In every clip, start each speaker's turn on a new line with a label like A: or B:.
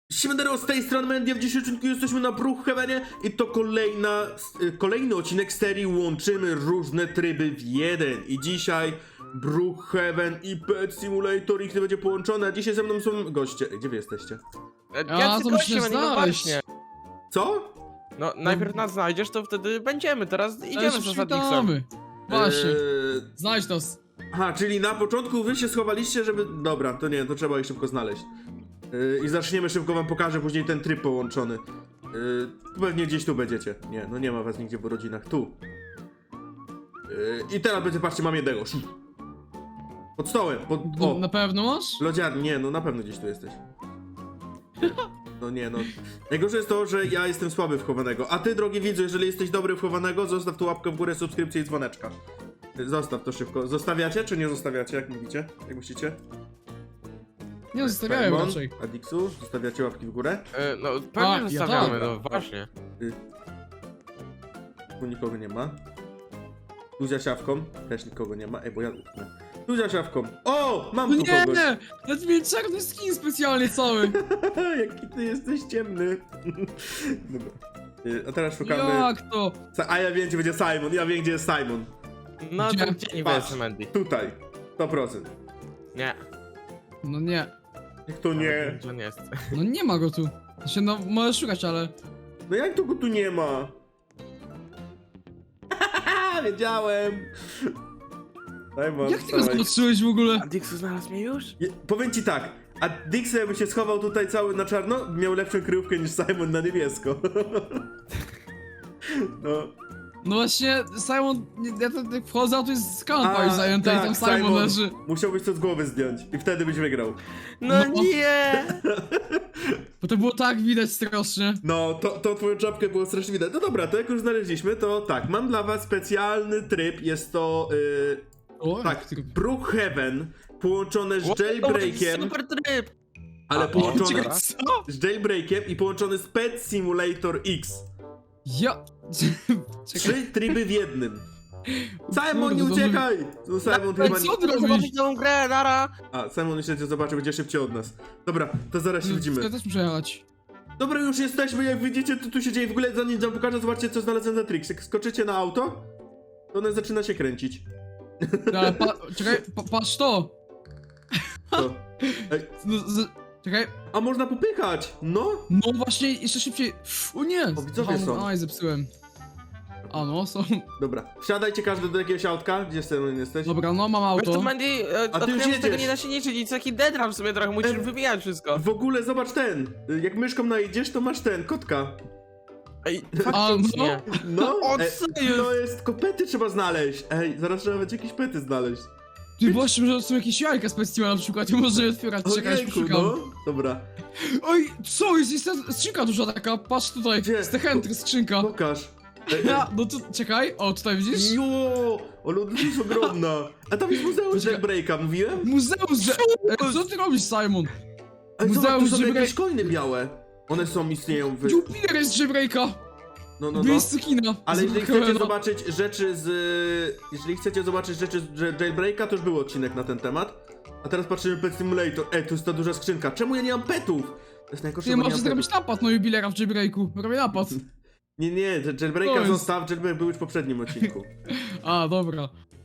A: Siemandero, z tej strony Mendia, w dzisiejszym odcinku jesteśmy na Brookhavenie i to kolejny odcinek serii Łączymy różne tryby w jeden. I dzisiaj Brookhaven i Pet Simulator X będzie połączone, a dzisiaj ze mną są goście. Gdzie wy jesteście?
B: To musisz znaleźć.
A: Co?
B: No, najpierw nas znajdziesz, to wtedy będziemy. Teraz idziemy z Zasadniksem.
C: Witamy. Właśnie,
A: Eee,
C: znajdź nas.
A: Aha, czyli na początku wy się schowaliście, żeby... Dobra, to nie, to trzeba ich szybko znaleźć. I zaczniemy szybko, wam pokażę później ten tryb połączony. Pewnie gdzieś tu będziecie. Nie, no nie ma was nigdzie w rodzinach. Tu. I teraz będzie, patrzcie, mam jednego. Pod stołem, o!
C: Na pewno masz?
A: Lodziarni, nie, no na pewno gdzieś tu jesteś. No nie, no. Najgorsze jest to, że ja jestem słaby w chowanego. A ty, drogi widzu, jeżeli jesteś dobry w chowanego, zostaw tu łapkę w górę, subskrypcję i dzwoneczka. Zostaw to szybko. Zostawiacie, czy nie zostawiacie, jak mówicie? Jak myślicie?
C: Nie zostawiają
A: Simon,
C: raczej.
A: Adixu, zostawiacie łapki w górę?
B: No, pewnie
C: ja
B: zostawiamy,
C: tak.
B: no właśnie.
A: Tu nikogo nie ma. Tuzia siawką, też nikogo nie ma. Ej, bo ja... Tuzia siawką. O! Mam tu
C: Nie,
A: kogoś.
C: nie! Nawet mieli czarny skin specjalnie cały.
A: Jaki ty jesteś ciemny. Dobra. A teraz szukamy...
C: Jak to?
A: A ja wiem, gdzie będzie Simon. Ja wiem, gdzie jest Simon.
B: No
C: Gdzie?
B: to gdzie niby
A: Patrz.
B: jest Mandy?
A: Tutaj. 100%.
B: Nie.
C: No nie.
A: Jak to nie?
B: Gdzie on jest?
C: No nie ma go tu. Znaczy, no możesz szukać, ale...
A: No jak to go tu nie ma? Wiedziałem. Simon,
C: Jak ty go
A: wstawaj.
C: zobaczyłeś w ogóle?
B: A Dixu znalazł mnie już?
A: Powiem ci tak, a Dix jakby się schował tutaj cały na czarno, miał lepszą kryjówkę niż Simon na niebiesko. No.
C: No właśnie, Simon... Ja tak wchodzę, a tu jest kanapa już zajęta i tam Simon leży.
A: Musiałbyś to z głowy zdjąć i wtedy byś wygrał.
B: No
C: No.
B: nie!
C: Bo to było tak widać strasznie.
A: No, to twoją czapkę było strasznie widać. No dobra, to jak już znaleźliśmy, to tak, mam dla was specjalny tryb, jest to...
C: O,
A: tak,
C: tylko-
A: Brookhaven połączone z jailbreakiem,
B: Super tryb!
A: ale połączone
B: czekaj,
C: Co?
A: z jailbreakiem i połączony z Pet Simulator X.
C: Ja... Czekaj.
A: 3 tryby w jednym. Simon,
C: Kurde,
A: nie
C: to
A: uciekaj! No Simon chyba nie...
C: co ty robisz?
B: Zobaczyć nową grę, nara!
A: A, Simon jeszcze cię zobaczy, będzie szybciej od nas. Dobra, to zaraz się widzimy.
C: Ja też muszę jechać.
A: Dobra, już jesteśmy, jak widzicie, to tu się dzieje. W ogóle zanim wam pokażę, zobaczcie, co znalazłem za trik. Jak skoczycie na auto, to ono zaczyna się kręcić.
C: Ale czekaj, patrz to!
A: To. Ej,
C: No, czekaj.
A: a można popychać! No!
C: No właśnie, jeszcze szybciej. O nie!
A: O, widzowie są.
C: Aj, zepsułem. A no, są.
A: Dobra, wsiadajcie każdy do jakiegoś autka. Gdzie Simon jesteś?
C: Dobra, no mam
B: Wiesz
C: auto.
B: to Mandy,
A: A ty już
B: odkryłem, że tego
A: jedziesz.
B: nie da się liczyć i taki deadram w sobie trochę, musisz wybijać wszystko.
A: W ogóle zobacz ten. Jak myszką najedziesz, to masz ten, kotka.
B: Ej,
C: A,
B: faktycznie.
A: No,
B: O,
A: ej,
B: co jest?
A: to jest, tylko pety trzeba znaleźć. Ej, zaraz trzeba będzie jakieś pety znaleźć.
C: Ty właśnie, że są jakieś jajka specjalne na przykład, nie można je otwierać, czekaj, już
A: Ojejku,
C: poszukam.
A: no. Dobra,
C: Oj, co jest? Jest ta skrzynka duża taka, patrz tutaj,
A: Gdzie?
C: z Techentry skrzynka.
A: pokaż.
C: Ja, no to czekaj, o tutaj widzisz?
A: Jo, ale ona jest ogromna. A tam jest muzeum
C: Poczekaj.
A: jailbreaka, mówiłem?
C: Muzeum z... Co ty robisz, Simon?
A: Ej, zobacz,
C: Muzeum
A: tu są
C: jailbreak-
A: jakieś coiny białe. One są, istnieją w...
C: Jupiter jest jailbreaka!
A: No, no,
C: W
A: no.
C: miejscu kina.
A: Ale jeżeli
C: Zablokowano.
A: chcecie zobaczyć rzeczy z... Jeżeli chcecie zobaczyć rzeczy z jailbreaka, to już był odcinek na ten temat. A teraz patrzymy Pet Simulator. Ej, tu jest ta duża skrzynka. Czemu ja nie mam petów? To jest najgorsze,
C: Nie,
A: bo nie
C: możesz
A: mam
C: zrobić
A: petów.
C: napad na jubilera w jailbreaku. Robię napad.
A: Nie, jailbreaka
C: To jest-
A: zostaw, jailbreak był już w poprzednim odcinku.
C: A, dobra.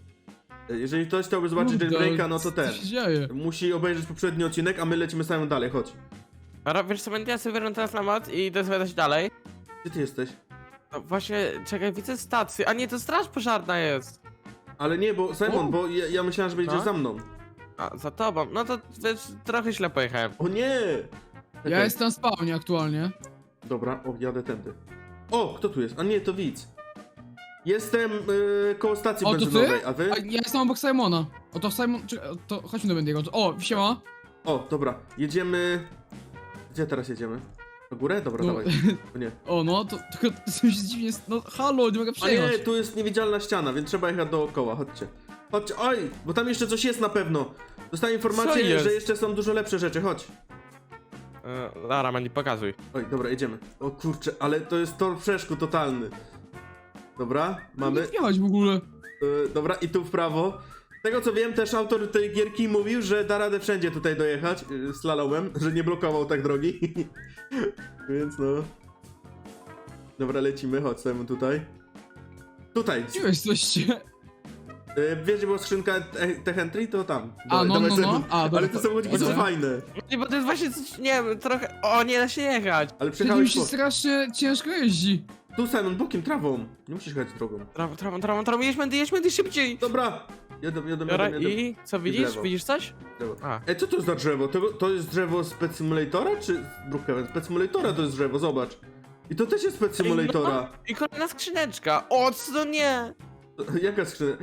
A: Jeżeli ktoś chciałby zobaczyć
C: Kurde,
A: jailbreaka, no to ten.
C: Co się dzieje?
A: Musi obejrzeć poprzedni odcinek, a my lecimy samym dalej, chodź.
B: Dobra, wiesz co, Mandy, ja sobie wyrwę teraz na mat i idę zwiadać dalej.
A: Gdzie ty jesteś?
B: No właśnie, czekaj, widzę stację, a nie, to straż pożarna jest.
A: Ale nie, bo Simon,
C: O.
A: bo ja myślałem, że będziesz
B: No.
A: za mną.
B: A, za tobą, no to wiesz, trochę źle pojechałem.
A: O nie!
C: Ja
A: Czekaj.
C: jestem w spawnie aktualnie.
A: Dobra, jadę tędy. O, kto tu jest? A nie, to widz. Jestem koło stacji
C: O, to ty?
A: benzynowej, a wy?
C: A ja jestem obok Simona. O, to Simon... Czekaj, to chodźmy do Bendiego. O, siema.
A: O, dobra, jedziemy... Gdzie teraz jedziemy? Na górę? Dobra,
C: No.
A: dawaj. O nie.
C: O, no, to coś dziwnie... No, halo, nie mogę
A: A
C: przejechać.
A: nie, tu jest niewidzialna ściana, więc trzeba jechać dookoła, chodźcie. Chodźcie, oj, bo tam jeszcze coś jest na pewno. Dostałem
B: Co
A: informację,
B: jest?
A: że jeszcze są dużo lepsze rzeczy, chodź.
B: Lara, Mandy, pokazuj.
A: Oj, dobra, jedziemy. O kurczę, ale to jest tor przeszkód totalny. Dobra, mamy.
C: Nie wjechać w ogóle.
A: Dobra, i tu w prawo. tego co wiem, też autor tej gierki mówił, że da radę wszędzie tutaj dojechać slalomem, że nie blokował tak drogi. Więc no. Dobra, lecimy, chodź Simon tutaj. Tutaj.
C: Gdzie wy jesteście?
A: Wiesz, gdzie była skrzynka Tech Entry? To tam.
C: A, no,
A: Dawaj,
C: no,
A: Simon.
C: no. A, dobra,
A: Ale te samochodziki są
C: dobra.
A: fajne.
B: Nie, bo to jest właśnie coś, nie wiem, trochę... O, nie da się jechać.
A: Ale
C: Przed nim
A: przejechałeś
C: się
A: po...
C: strasznie ciężko jeździ.
A: Tu Simon, bokiem, trawą. Nie musisz jechać drogą.
B: Tram, jedź Mendy szybciej.
A: Dobra. Jadę.
B: Dobra, i co widzisz?
A: lewo.
B: Widzisz coś?
A: Drzewo.
B: A.
A: Co to jest za drzewo? To jest drzewo z Pet Simulatora, czy Brookhaven? Z Pet Simulatora to jest drzewo, zobacz. I to też jest z Pet Simulatora.
B: No, i kolejna skrzyneczka. O, co nie?
A: Jaka skrzynka?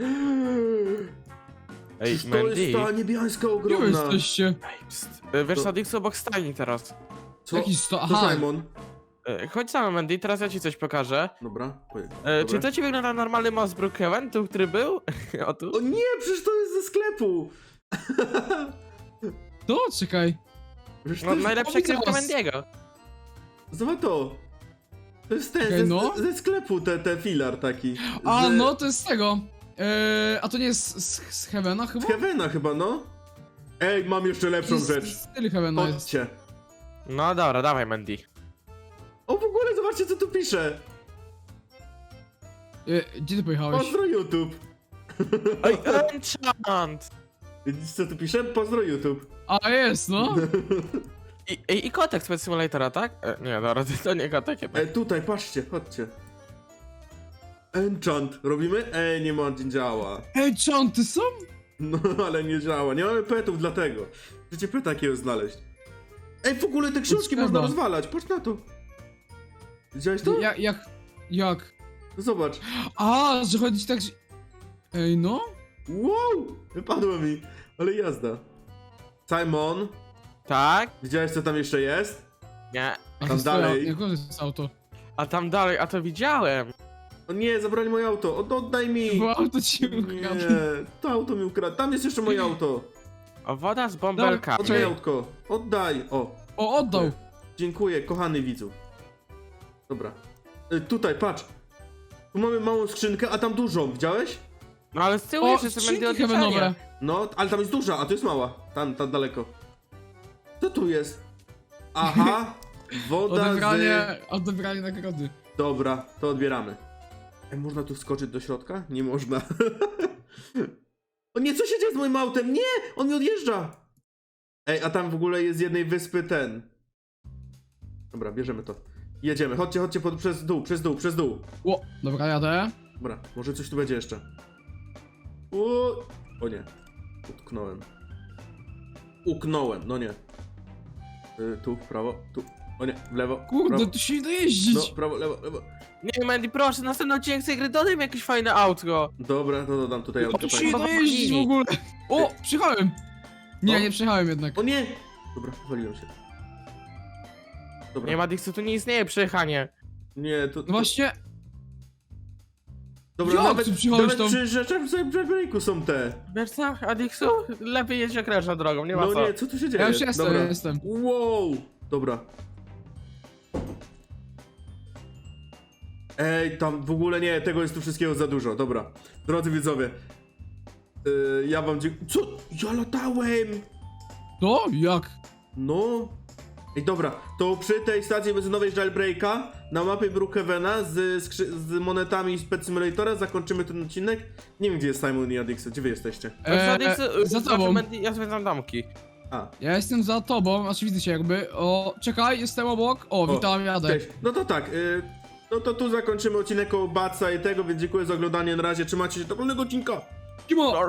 B: Ej,
A: Przecież to jest ta niebieska
C: Gdzie wy
A: ogromna.
C: jesteście?
B: Psst, wiesz,
A: To-
B: Sadix obok stajni teraz.
A: Co?
C: Jaki sto...
A: To
C: Aha,
A: Simon.
B: Chodź sam, Mandy, teraz ja ci coś pokażę.
A: Dobra,
B: Czy to ci wygląda normalny most Brookhaven, tu, który był? O tu?
A: O nie, przecież to jest ze sklepu.
C: to czekaj.
A: Przecież
B: No,
A: to jest...
B: najlepsza
C: widzę
B: krypka
C: was.
B: Mandiego.
A: Zobacz to. To jest ten,
C: Okej, no.
A: ze sklepu, ten filar taki.
C: A,
A: z,
C: no to jest z tego. A to nie jest z Heavena chyba?
A: Z Heavena chyba, no. Ej, mam jeszcze lepszą rzecz.
C: Styl Heavena jest.
A: Chodźcie.
B: No dobra, dawaj Mandy.
A: O, w ogóle zobaczcie, co tu pisze.
C: Gdzie ty pojechałeś?
A: Pozdro YouTube.
B: Oj, enchant!
A: Widzisz, co tu pisze? Pozdro YouTube.
C: A, jest, no.
B: I kotek z Pet Simulatora, tak? Nie, dobra, to nie kotek jednak.
A: Tutaj, patrzcie, chodźcie. Enchant. Robimy? Nie ma, nie działa.
C: Ej, czanty są?
A: No, ale nie działa. Nie mamy petów, dlatego. Chcecie peta takiego znaleźć. Ej, w ogóle te książki
C: Szkoda.
A: można rozwalać, patrz na to. Widziałeś to?
C: Jak?
A: No zobacz.
C: A, że chodzi tak, że... Ej, no?
A: Wow! Wypadło mi, ale jazda. Simon,
B: Tak?
A: widziałeś co tam jeszcze jest?
B: Nie.
C: A
A: Tam
C: to
A: dalej.
C: Jak to jest auto?
B: A tam dalej, a to widziałem.
A: O nie, zabrali moje auto, oddaj mi!
C: Bo auto ci
A: Nie,
C: ukradł.
A: to auto mi ukradł. Tam jest jeszcze moje auto.
B: O, woda z
C: Dobra,
B: bąbelkami.
A: Oddaj autko, oddaj. O,
C: O, oddał.
A: dziękuję, kochany widzu. Dobra. Tutaj, patrz. Tu mamy małą skrzynkę, a tam dużą, widziałeś?
B: No ale z tyłu
C: O,
B: jeszcze są Mandy
C: skrzynki heavenowe.
B: odliczania.
A: No, ale tam jest duża, a tu jest mała. Tam daleko. Co tu jest? Aha, woda
C: Odebranie nagrody.
A: Dobra, to odbieramy. Można tu wskoczyć do środka? Nie można. O nie, co się dzieje z moim autem? Nie! On mi odjeżdża! Ej, a tam w ogóle jest z jednej wyspy ten. Dobra, bierzemy to. Jedziemy, chodźcie, przez dół.
C: O, dobra, jadę.
A: Dobra, może coś tu będzie jeszcze. O nie. Utknąłem. Uknąłem, no nie. Tu, w prawo, tu. O nie, w lewo.
C: Kurde,
A: prawo.
C: tu się nie da jeździć.
A: No, prawo, lewo.
B: Nie, Mandy, proszę, następny odcinek z tej gry dodaj mi jakieś fajne autko.
A: Dobra, to dodam tutaj
C: O,
A: autko.
C: tu się nie da
B: fajnie.
C: jeździć w ogóle. O, przyjechałem. Nie,
A: O.
C: nie przyjechałem jednak.
A: O nie! Dobra, wywaliłem się. Dobra.
B: Nie, Madixu, tu nie istnieje przejechanie.
A: Nie, to...
C: No właśnie,
A: Dobra,
C: jak
A: nawet,
C: ty przyjechałeś
A: nawet
C: tam?
A: przy rzeczach w breaku są te.
B: Wiesz co, Adixu? Lepiej jedź okrężną drogą, nie ma
A: No
B: co.
A: nie, co tu się dzieje?
C: ja już jestem,
A: Dobra.
C: ja jestem.
A: Wow! Dobra. Ej, tam w ogóle nie, tego jest tu wszystkiego za dużo, dobra. Drodzy widzowie, ja wam dziękuję. Co? Ja latałem!
C: To? Jak?
A: No. Ej, dobra, to przy tej stacji benzynowej Jailbreaka na mapie Brookhavena z monetami z Pet Simulatora zakończymy ten odcinek. Nie wiem, gdzie jest Simon i Adixo, gdzie wy jesteście?
C: Za tobą.
B: Ja zwiedzam domki.
A: A,
C: Ja jestem za tobą, znaczy widzę cię jakby. O, czekaj, jestem obok. O, witam, jadę.
A: cześć. No to tak, no to tu zakończymy odcinek o Batsa i tego, więc dziękuję za oglądanie, na razie, trzymajcie się do kolejnego odcinka.
C: Kimo!